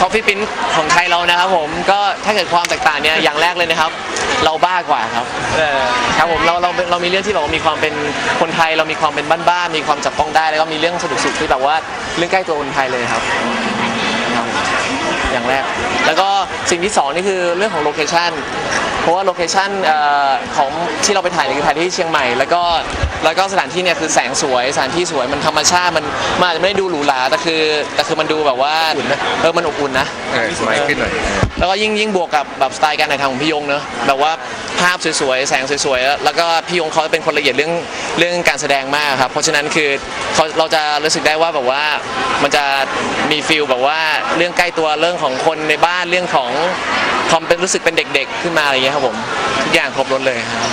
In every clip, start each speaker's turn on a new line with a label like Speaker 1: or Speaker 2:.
Speaker 1: Coffee Prince ของไทยเรานะครับผมก็ถ้าเกิดความแตกต่างเนี่ยอย่างแรกเลยนะครับเราบ้ากว่าครับครับผมเรามีเรื่องที่แบบว่ามีความเป็นคนไทยเรามีความเป็นบ้านๆมีความจับต้องได้แล้วก็มีเรื่องสนุกๆที่แบบว่าเรื่องใกล้ตัวคนไทยเลยครับอย่างแรกแล้วก็สิ่งที่สองนี่คือเรื่องของโลเคชั่นเพราะว่าโลเคชั่นของที่เราไปถ่ายเนี่ยคือถ่ายที่เชียงใหม่แล้วก็สถานที่เนี่ยคือแสงสวยสถานที่สวยมันธรรมชาติมันอาจจะไม่ได้ดูหรูหราแต่คือมันดูแบบว่ามันอบอุ่นนะ
Speaker 2: สมัยขึ้นหน่อย
Speaker 1: แล้วก็ยิ่งบวกกับแบบสไตล์การถ่ายทำของพี่ยงเนอะแบบว่าภาพสวยๆแสงสวยๆแล้วก็พี่ยงเขาเป็นคนละเอียดเรื่องการแสดงมากครับเพราะฉะนั้นคือเราจะรู้สึกได้ว่าแบบว่ามันจะมีฟีลแบบว่าเรื่องใกล้ตัวเรื่องของคนในบ้านเรื่องของความเป็นรู้สึกเป็นเด็กๆขึ้นมาอะไรอย่างเงี้ยครับผมทุกอย่างครบรถเลยครับ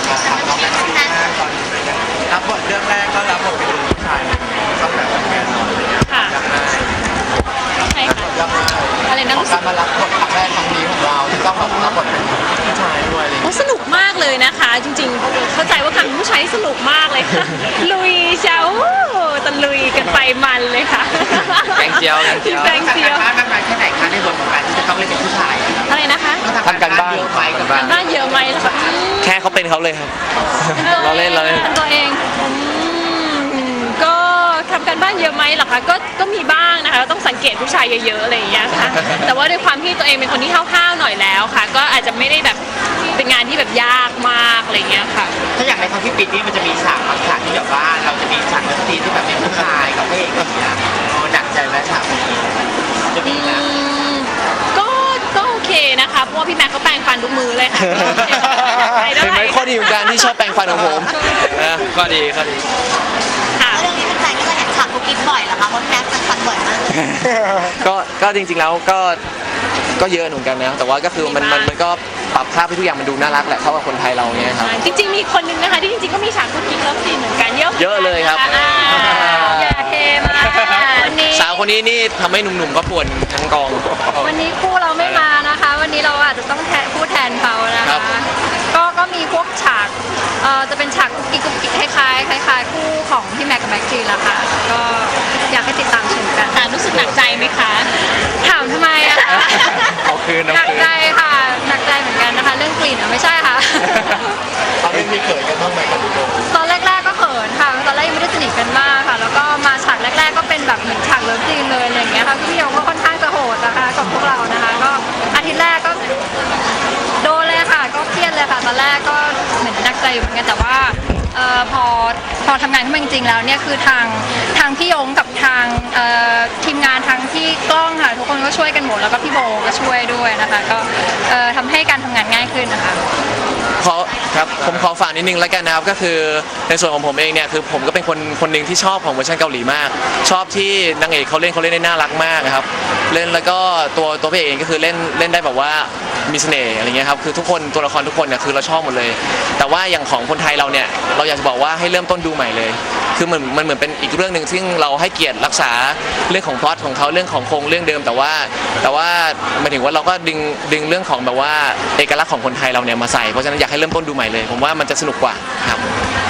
Speaker 3: รับบทเรื่องแรกก็รับบทเป็นผู้ชายต้องแบบแน่นอนเลย
Speaker 4: ค่ะใช่ค่ะอะไรนะ
Speaker 3: การมารับบทครั้งแรกครั้งนี้ของเราที่ต้องรับบทเป็นผู้ชายด้วยเลย
Speaker 4: สนุกมากเลยนะคะจริงๆเข้าใจว่าครั้งผู้ชายสนุกมากเลยค่ะลุยเจ้าตะลุยกันไปมันเลยค่ะ
Speaker 1: แกงเจียว
Speaker 3: มากมายแค่ไหนคะในบทของการที่จะต้องเล่นเป็นผู้ชาย
Speaker 4: อะไรนะคะ
Speaker 1: ทำการบ้าน
Speaker 4: เยอะไหมล่ะคะ
Speaker 1: แค่เขาเป็นเขาเลยครับเราเล่น
Speaker 4: ตัวเองก็ทำการบ้านเยอะไหมหรอคะก็มีบ้างนะคะต้องสังเกตผู้ชายเยอะๆอะไรอย่างเงี้ยค่ะแต่ว่าด้วยความที่ตัวเองเป็นคนที่ห้าวๆหน่อยแล้วค่ะก็อาจจะไม่ได้แบบเป็นงานที่แบบยากมากอะไรเงี้ยค่ะ
Speaker 3: ถ้าอย่างในคอนที่ปิดนี่มันจะมีฉากบางฉากที่แบบว่าเราจะมีฉากดนตรีที่แบบเป็นผู้ชายกับพระเอกอย่างเงี้ยหนักใจไหมฉากนี้จะมีนะ
Speaker 4: ก็โอเคนะคะเพราะว่าพี่แม็กก็แปรงฟันทุกมือเลยค่ะ
Speaker 1: เห็นไหมข้อดีของการที่ชอบแปรงฟันของผมข้อดี
Speaker 4: ค่ะ
Speaker 5: เรื่องนี้เป็นใจที่เราเห็นฉากกุ๊กกิ๊บบ่อยเหรอคะเพราะแม็กซ์ฟันบ่อยมาก
Speaker 1: ก็จริงๆแล้วก็เยอะเหมือนกันนะแต่ว่าก็คือมันก็ปรับภาพให้ทุกอย่างมันดูน่ารักแหละเข้ากับคนไทยเราเนี่ยครับ
Speaker 4: จริงๆมีคนนึงนะคะที่จริงๆก็มีฉากกุ๊กกิ๊บเลิฟซีนเหมือนกันเยอะ
Speaker 1: เลยครับ
Speaker 4: อย่าเทมาก
Speaker 1: สาวคนนี้นี่ทำให้หนุ่มๆก็ปวดทั้งกอง
Speaker 4: วันนี้คู่เราไม่มานะคะวันนี้เราอาจจะต้องพูดแทนเขานะคะก็มีพวกฉากจะเป็นฉากกุ๊กกิ๊กคล้ายคู่ของพี่แม็กกับแม็กจีละค่ะก็อยากให้ติดตามชมกันรู้สึกหนักใจไหมคะถามทำไมอะคะหนักใจค่ะหนักใจเหมือนกันนะคะเรื่องกลิ่นไม่ใช่ค่ะ
Speaker 3: เขาไม่มีเขินกันบ้างไหมกับ
Speaker 4: ตอนแรกๆก็เขินค่ะตอนแรกยังไม่ได้สนิทกันมากค่ะแล้วก็มาฉากแรกๆก็เป็นแบบเหมือนฉากเลิฟซีนเลยอะไรอย่างเงี้ยค่ะพี่ยงก็ค่อนข้างจะโหดนะคะกับพวกเรานะคะก็อาทิตย์แรกก็โดนเลยค่ะก็เครียดเลยค่ะตอนแรกก็เหมือนหนักใจอยู่เหมือนกันแต่ว่าพอทำงานขึ้นมาจริงๆแล้วเนี่ยคือทางพี่ยงกับทางทีมงานทางที่กล้องค่ะทุกคนก็ช่วยกันหมดแล้วก็พี่โบก็ช่วยด้วยนะคะก็ทำให้การทำงานง่ายขึ้นนะคะ
Speaker 1: ครับผมขอฝากนิดนึงแล้วกันนะครับก็คือในส่วนของผมเองเนี่ยคือผมก็เป็นคนหนึ่งที่ชอบของเวอร์ชันเกาหลีมากชอบที่นางเอกเขาเล่นได้น่ารักมากครับเล่นแล้วก็ตัวพี่เอกเองก็คือเล่นได้แบบว่ามีเสน่ห์อะไรเงี้ยครับคือทุกคนตัวละครทุกคนเนี่ยคือเราชอบหมดเลยแต่ว่าอย่างของคนไทยเราเนี่ยเราอยากจะบอกว่าให้เริ่มต้นดูใหม่เลยคือมันเหมือนเป็นอีกเรื่องหนึ่งซึ่งเราให้เกียรติรักษาเรื่องของพล็อตของเขาเรื่องของโครงเรื่องเดิมแต่ว่าหมายถึงว่าเราก็ดึงเรื่องของแบบว่าเอกลักษณ์ของคนไทยเราเนี่ยมาใส่เพราะฉะนั้นอยากให้เริ่มต้นดูใหม่เลยผมว่ามันจะสนุกกว่าครับ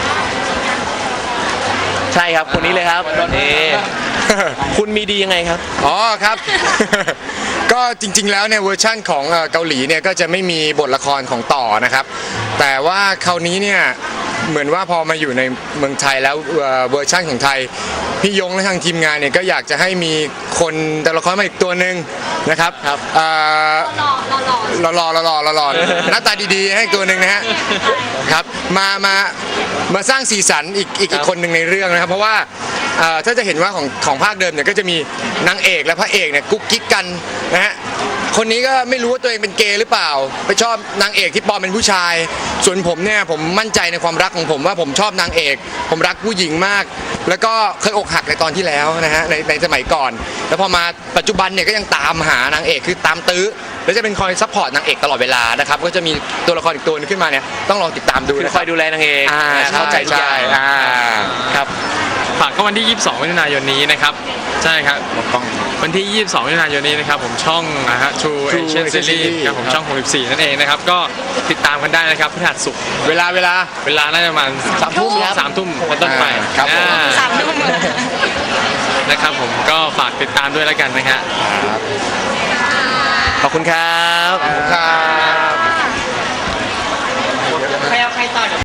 Speaker 1: ใช่ครับคนนี้เลยครับนี่คุณมีดียังไงครับ
Speaker 2: อ๋อครับก็จริงๆแล้วเนี่ยเวอร์ชั่นของเกาหลีเนี่ยก็จะไม่มีบทละครของต่อนะครับแต่ว่าคราวนี้เนี่ยเหมือนว่าพอมาอยู่ในเมืองไทยแล้วเวอร์ชั่นของไทยพี่ยงและทางทีมงานเนี่ยก็อยากจะให้มีคนตัวละครมาอีกตัวหนึ่งนะครับหล่อหน้าตาดีๆให้ตัวหนึ่งนะฮะครับมาสร้างสีสันอีกคนหนึ่งในเรื่องนะครับเพราะว่าถ้าจะเห็นว่าของภาคเดิมเนี่ยก็จะมีนางเอกและพระเอกเนี่ยกุ๊กกิ๊กกันนะฮะคนนี้ก็ไม่รู้ว่าตัวเองเป็นเกย์หรือเปล่าไปชอบนางเอกที่ปลอมเป็นผู้ชายส่วนผมเนี่ยผมมั่นใจในความรักของผมว่าผมชอบนางเอกผมรักผู้หญิงมากแล้วก็เคยอกหักในตอนที่แล้วนะฮะในสมัยก่อนแล้วพอมาปัจจุบันเนี่ยก็ยังตามหานางเอกคือตามตื้อแล้วจะเป็นคอยซัพพอร์ตนางเอกตลอดเวลานะครับก็จะมีตัวละครอีกตัวนึงขึ้นมาเนี่ยต้องลองติดตามดู
Speaker 1: คอยดูแลนางเอกเข้าใจทุกอย่าง
Speaker 6: ครับฝากก็วันที่ 22 มิถุนายนนี้นะครับใช่ครับวันที่ 22 มิถุนายนนี้นะครับผมช่องนะฮะ True Asian Series ครับผมช่อง 64 นั่นเองนะครับก็ติดตามกันได้นะครับพฤหัสศุกร์เวลาน่าจะประมาณ3 ทุ่มเป็นต้นไป
Speaker 2: ครับ
Speaker 4: 3 ทุ่ม
Speaker 6: นะครับผมก็ฝากติดตามด้วยแล้วกันนะฮะ
Speaker 1: อบคุณครับ
Speaker 2: ครับ
Speaker 3: ใครเอาใครต่อเดี๋ยว